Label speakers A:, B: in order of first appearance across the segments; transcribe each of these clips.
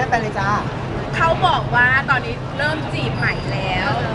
A: ฟนๆเลยจ้า
B: เขาบอกว่าตอนนี้เริ่มจีบใหม่แล้ว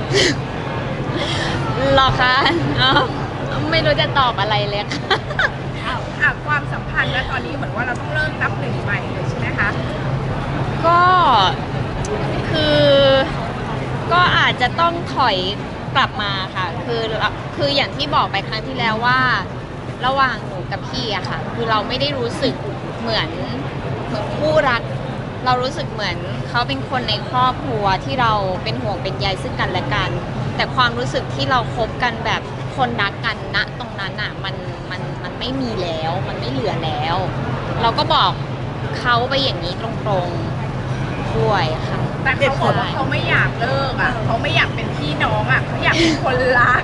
C: หรอคะอ๋อไม่รู้จะตอบอะไรเลยค่ะ
B: ความสัมพันธ์นะตอนนี้เหมือนว่าเราต้องเริ่มนับหนึ่งใหม่เลยใช่ไหมคะ
C: ก็คือก็อาจจะต้องถอยกลับมาค่ะคืออย่างที่บอกไปครั้งที่แล้วว่าระหว่างหนูกับพี่อะค่ะคือเราไม่ได้รู้สึกเหมือนคู่รักเรารู้สึกเหมือนเขาเป็นคนในครอบครัวที่เราเป็นห่วงเป็นใยซึ่งกันและกันแต่ความรู้สึกที่เราคบกันแบบคนรักกันณตรงนั้นอะมันไม่มีแล้วมันไม่เหลือแล้ว เราก็บอกเขาไปอย่างนี้ตรงๆด้วยค่ะ
B: แต่เขาบอกว่าเขาไม่อยากเลิกอ่ะเขาไม่อยากเป็นพี่น้องอ่ะเขาอยากเป็นคนรัก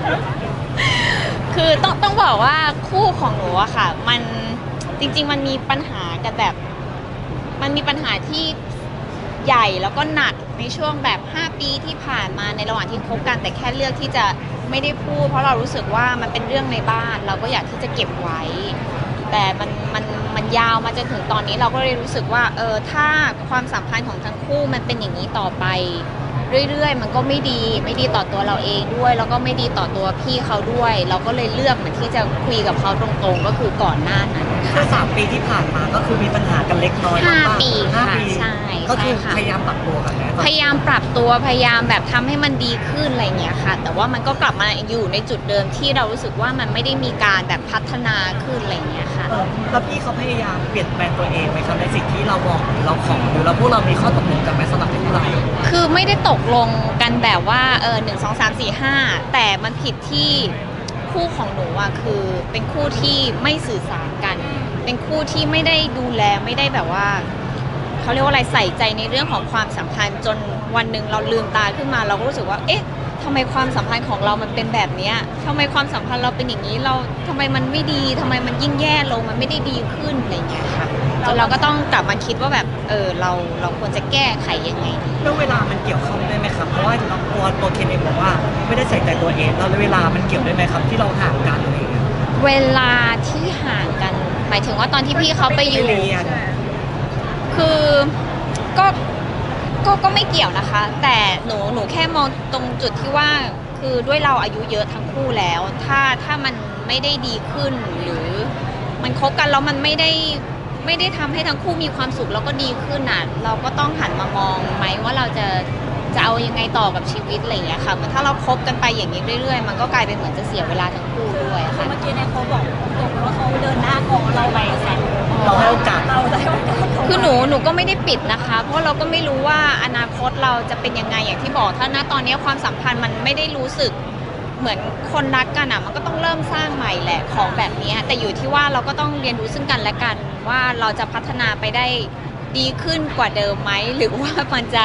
C: คือต้องบอกว่าคู่ของหนูอะค่ะมันจริงๆมันมีปัญหากันแบบมันมีปัญหาที่ใหญ่แล้วก็หนักในช่วงแบบ5 ปีที่ผ่านมาในระหว่างที่คบกันแต่แค่เลือกที่จะไม่ได้พูดเพราะเรารู้สึกว่ามันเป็นเรื่องในบ้านเราก็อยากที่จะเก็บไว้แต่มันยาวมาจนถึงตอนนี้เราก็เลยรู้สึกว่าถ้าความสัมพันธ์ของทั้งคู่มันเป็นอย่างนี้ต่อไปเรื่อยๆมันก็ไม่ดีต่อตัวเราเองด้วยแล้วก็ไม่ดีต่อตัวพี่เขาด้วยเราก็เลยเลือกเหมือนที่จะคุยกับเขาตรงๆก็คือก่อนหน้านั้น
A: คือ3 ปีที่ผ่านมาก็คือมีปัญหากันเล็กน้อยมาก
C: 5 ปี
A: ห้า
C: ค่ะ
A: ปี
C: ใช่
A: ก็คือ
C: ใช่ค่ะ
A: พยายามปรับตัวกันนะ
C: พยายามปรับตัวพยายามแบบทำให้มันดีขึ้นอะไรเงี้ยค่ะ แต่ว่ามันก็กลับมาอยู่ในจุดเดิมที่เรารู้สึกว่ามันไม่ได้มีการแบบพัฒนาขึ้นอะไรเงี้ยค่ะ
A: แล้วพี่เขาพยายามเปลี่ยนแปลงตัวเองไหมครับในสิ่งที่เราบอกหรือเราขอหรือเราพวกเรามีข้อตกลงกันไหมสำหรับที่เรา
C: คือไม่ได้ตกลงกันแบบว่า1 2 3 4 5แต่มันผิดที่คู่ของหนูอะคือเป็นคู่ที่ไม่สื่อสารกัน เป็นคู่ที่ไม่ได้ดูแลไม่ได้แบบว่าเขาเรียกว่าอะไรใส่ใจในเรื่องของความสัมพันธ์จนวันหนึ่งเราลืมตาขึ้นมาเราก็รู้สึกว่าเอ๊ะทำไมความสัมพันธ์ของเรามันเป็นแบบเนี้ยทำไมความสัมพันธ์เราเป็นอย่างนี้เราทำไมมันไม่ดีทำไมมันยิ่งแย่ลงมันไม่ได้ดีขึ้นอะไรอย่างเงี้ยค่ะจนเราก็ต้องกลับมาคิดว่าแบบเราควรจะแก้ไขยังไงดี
A: เรื่องเวลามันเกี่ยวข้องด้วยไหมครับเพราะว่าตัวเคนเองบอกว่าไม่ได้ใส่ใจตัวเองแล้วเวลามันเกี่ยวด้วยไหมครับที่เราห่างกันอะไรอย่างเงี้ย
C: เวลาที่ห่างกัน หมายถึงว่าตอนที่พี่เขาไปอยู่
A: ไปเรียน
C: คือก็ไม่เกี่ยวนะคะ แต่หนูแค่มองตรงจุดที่ว่าคือด้วยเราอายุเยอะทั้งคู่แล้ว ถ้ามันไม่ได้ดีขึ้นหรือมันคบกันแล้วมันไม่ได้ทำให้ทั้งคู่มีความสุขแล้วก็ดีขึ้นน่ะเราก็ต้องหันมามองไหมว่าเราจะเอายังไงต่อกับชีวิตอะไรอย่างเงี้ยค่ะเหมือนถ้าเราคบกันไปอย่างนี้เรื่อยๆมันก็กลายเป็นเหมือนจะเสียเวลาทั้งคู่ด้วยค่ะ
D: เมื่อกี้เนี่ยเขาบอกตรงว่าเขาเดินหน้าก่อนเราไปแซง
A: เราให้โอกาส
D: เราได้โอกาสเขา
C: คือหนูก็ไม่ได้ปิดนะคะ เพราะเราก็ไม่รู้ว่าอนาคตเราจะเป็นยังไงอย่างที่บอกถ้าณตอนนี้ความสัมพันธ์มันไม่ได้รู้สึกเหมือนคนรักกันอ่ะมันก็ต้องเริ่มสร้างใหม่แหละของแบบนี้แต่อยู่ที่ว่าเราก็ต้องเรียนรู้ซึ่งกันและกันว่าเราจะพัฒนาไปได้ดีขึ้นกว่าเดิมไหมหรือว่ามันจะ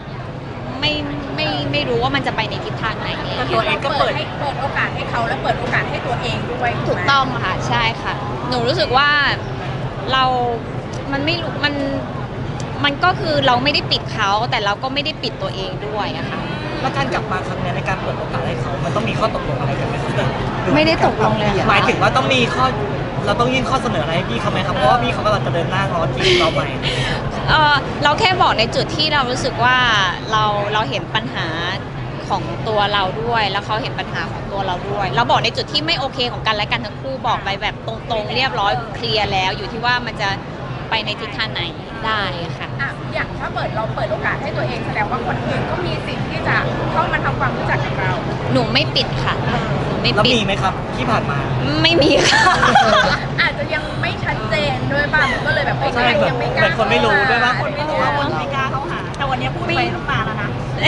C: ไม่รู้ว่ามันจะไปในทิศทางไหน
A: แต่ตัวเองก็เปิด
B: เปิดโอกาสให้เขาและเปิดโอกาสให้ตัวเองด้วย
C: ถูกต้องค่ะใช่ค่ะ หนูรู้สึกว่าเรา มันไม่รู้มันก็คือเราไม่ได้ปิดเขาแต่เราก็ไม่ได้ปิดตัวเองด้วยอะค่ะ
A: แล้วการกลับมาครั้งเนี้ยในการเปิดโอกาสให้เขา มันต้องมีข้อตกลงอะไรกันไหมครับหรือ
C: ไม่ได้ตกลงเลยค่ะ
A: หมายถึงว่าต้องมีข้อเราต้องยื่นข้อเสนออะไรให้พี่เขาไหมครับเพราะว่าพี่เขากำลังจะเดินหน้าง้อทีมเราใหม่
C: เราแค่บอกในจุดที่เรารู้สึกว่าเราเห็นปัญหาของตัวเราด้วย แล้วเขาเห็นปัญหาของตัวเราด้วย เราบอกในจุดที่ไม่โอเคของกันและกันทั้งคู่บอกไปแบบตรงๆเรียบร้อยเคลียร์แล้วอยู่ที่ว่ามันจะไปในทิศทางไหนได้ค่ะ
B: อย่างถ้าเราเปิดโอกาสให้ตัวเองแสดงว่าคนอื่นก็มีสิทธิ์ที่จะเข้ามาทำความรู้จักกับเรา
C: หนูไม่ปิดค่ะหนูไม่
A: แล้ว
C: ปิด
A: มีไหมครับที่ผ่านมา
C: ไม่มีค่ะ
B: อาจจะยังไม่ชัดเจนด้วยป่ะมันก็เลยแบบไม่
A: ใช่
B: ยังไม่กล้า
A: เหมือนคนไม่รู้ด้วยป่ะ
D: คนไม่รู้ว่าคนไม่กล้าเขาหา แต่วันนี้พูดไปน้ำตาแล้วนะ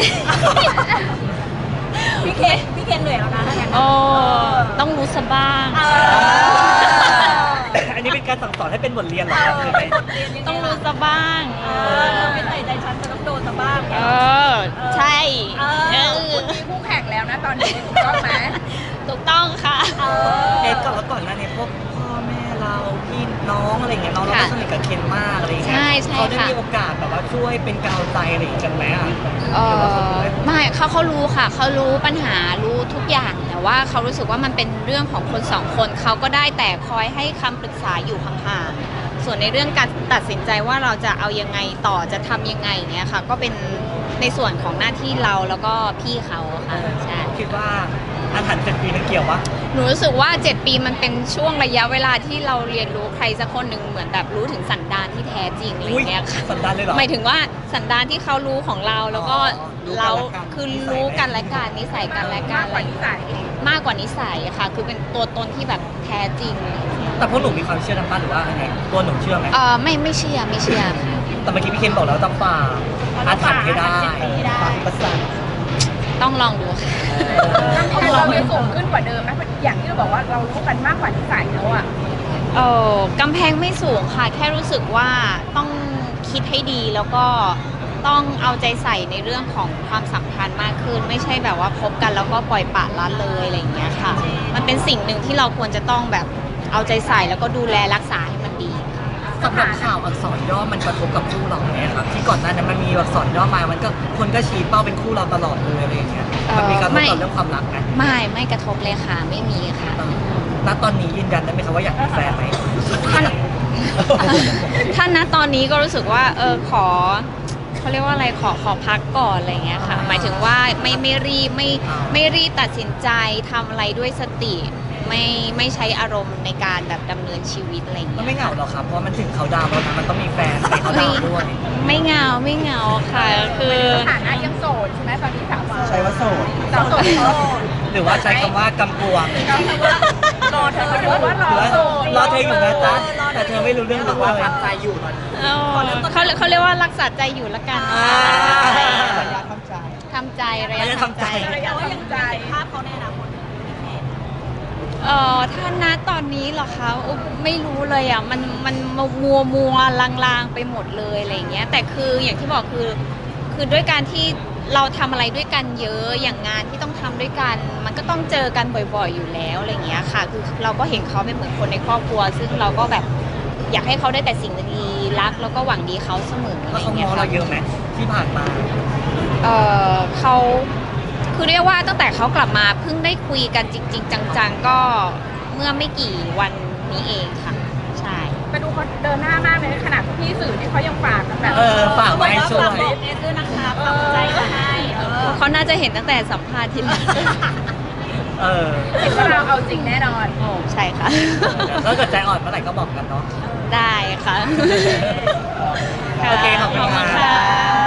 D: พี่เคนเหนื่อยแล้วนะถ้างั้น
C: โอ้ต้องรู้ซะบ้าง
A: อันนี้เป็นการสั่งสอนให้เป็นบทเรียนเหรอครับหรือไง
C: ต้องรู้ซะบ้าง
D: ไม่ใส่ใจฉันจะต้องโดนซะบ้าง
C: ใช่
B: คุณมีคู่แข่งแล้วนะตอนนี้ถูกต้องไหม
C: ถูกต้องค่ะ
A: เอ็ดก่อนแล้วก่อนหน้านี้พวกพ่อแม่เราพี่น้องอะไรอย่างเงี้ยเราก็สนิทกับเคนมากอะไรอย่างเงี้ย
C: ใช่ใช่
A: เขาได้
C: ค่ะ
A: มีโอกาสแบบว่าช่วยเป็นกาวใจอะไรอย่างเงี้ยกันไหมอ่ะ
C: ไม่เขารู้ค่ะเขารู้ปัญหารู้ทุกอย่างแต่ว่าเขารู้สึกว่ามันเป็นเรื่องของคนสองคนเขาก็ได้แต่คอยให้คำปรึกษาอยู่ห่างๆส่วนในเรื่องการตัดสินใจว่าเราจะเอายังไงต่อจะทำยังไงอย่างเงี้ยค่ะ ก็เป็นในส่วนของหน้าที่เราแล้วก็พี่เขาค่ะใช่
A: คิดว่าอาถรรพ์7 ปีมันเกี่ยววะ
C: หนูรู้สึกว่า 7 ปีมันเป็นช่วงระยะเวลาที่เราเรียนรู้ใครสักคนหนึ่งเหมือนแบบรู้ถึงสันดานที่แท้จริงอะไรอย่างเงี้ยค่ะ
A: สันดานเลยเหรอ
C: หมายถึงว่าสันดานที่เขารู้ของเราแล้วก็
A: รู้กัน
C: เรา
A: และกัน
C: คือรู้กันและกันนิสัยกันและกั
B: มาน กกว่านิสัย
C: มากกว่านิสัยค่ะ คือเป็นตัวตนที่แบบแท้จริง
A: แต่พวกหนูมีความเชื่อทางบ้านหรือว่ายังไงตัวหนูเชื่อไหม
C: ไม่เชื่อค่ะ
A: แต่เมื่อกี้พี่เคนบอกแล้วต้องฝ่าอาถรรพ์ให้ได้
D: ฝ่า
A: ประสาน
C: ต้องลองดูค่ะ
B: กำแพงเราเลยสูงขึ้นกว่าเดิมไหมอย่างที่เราบอกว่าเรารู้กันมากกว่านิสัยแล้วอะ
C: กำแพงไม่สูงค่ะ แค่รู้สึกว่าต้องคิดให้ดีแล้วก็ต้องเอาใจใส่ในเรื่องของความสัมพันธ์มากขึ้น ไม่ใช่แบบว่าคบกันแล้วก็ปล่อยปละละเลยอะไรอย่างเงี้ยค่ะ มันเป็นสิ่งหนึ่งที่เราควรจะต้องแบบเอาใจใส่แล้วก็ดูแลรักษาให้มันดี
A: สำหรับข่าวอักษรย่อมันกระทบกับคู่เราไหมครับที่ก่อนหน้านั้นมันมีอักษรย่อมามันก็คนก็ชี้เป้าเป็นคู่เราตลอดเลยอะไรอย่างเงี้ยมันมีการทบต่อเรื่องความรักไหม
C: ไม่กระทบเลยค่ะ ไม่มีค่ะ
A: ณตอนนี้ยืนยันได้ไหมครับว่าอยากมีแฟนไหม
C: ถ้าณตอนนี้ก็รู้สึกว่าขอเขาเรียกว่าอะไรขอพักก่อนอะไรอย่างเงี้ยค่ะ หมายถึงว่าไม่รีบไม่รีบตัดสินใจทำอะไรด้วยสติ ไม่ใช้อารมณ์ในการแบบดำเนินชีวิตอะไรอย่าง
A: มัน
C: เงี้ย
A: ไม่เหงาหรอกครับเพราะมันถึงเขาดาวน์แล้วนะมันต้องมีแฟนไปเขาดาวน์ด้วย
C: ไม่เหงาค่ะ คือ
B: สถานะยังโสดใช่ไหมตอนนี้ถามว่า
A: ใช้ว่าโสด
B: เราโสด
A: หรือว่าใช้คำว่ากำกวง
B: รอเธอหรือว่ารอ
A: หรือว่า
B: โสด
A: รอเธออยู่นะจ๊ะแต่เธอไม่รู้เรื่องรู้ว่าเลยใจอยู่ตอนนี้
C: เขาเรียกว่ารักษาใจอยู่ละกัน
A: อ่า
C: ทำใจระยะ
A: ระยะ
C: ทำใจ
A: ทำใจ
B: แต่ว่ายังใจ
D: ภาพเขาในอนาคต
C: ถ้าณตอนนี้เหรอคะไม่รู้เลยอ่ะมันมัวลางๆไปหมดเลยอะไรอย่างเงี้ยแต่คืออย่างที่บอกคือด้วยการที่เราทำอะไรด้วยกันเยอะอย่างงานที่ต้องทำด้วยกัน มันก็ต้องเจอกันบ่อยๆอยู่แล้วอะไรอย่างเงี้ยค่ะคือเราก็เห็นเขาเป็นเหมือนคนในครอบครัว ซึ่งเราก็แบบอยากให้เขาได้แต่สิ่งดีๆรักแล้วก็หวังดีเขาเสมออะไร
A: แล้ว
C: อ
A: เขา
C: ย่าง
A: ม
C: เงี้
A: อย ง
C: ค่ะ
A: เราเยอะไหมที่ผ่านมา
C: เขาคือเรียกว่าตั้งแต่เขากลับมาเพิ่งได้คุยกันจริงๆจังๆก็เมื่อไม่กี่วันนี้เองค่ะใช่
B: แต่ดูเขาเดินหน้ามากเลยขนาดพี่สื่อนี่เขายังฝากกันแบบ
A: ฝากไว้ให้ช่วย
D: ฝากบอกเอสด้วยนะคะฝากใจมาให้
C: เขาน่าจะเห็นตั้งแต่สัมภาษณ์ที่แล้ว
B: เห็นว่าเราเอาจริงแน่นอน
C: ใช่ค่ะ
A: ถ้าเกิดใจอ่อนเมื่อไหร่ก็บอกกันเนาะ
C: ได้ค่ะ
A: โอเคขอบคุณค่ะ
C: ค่ะ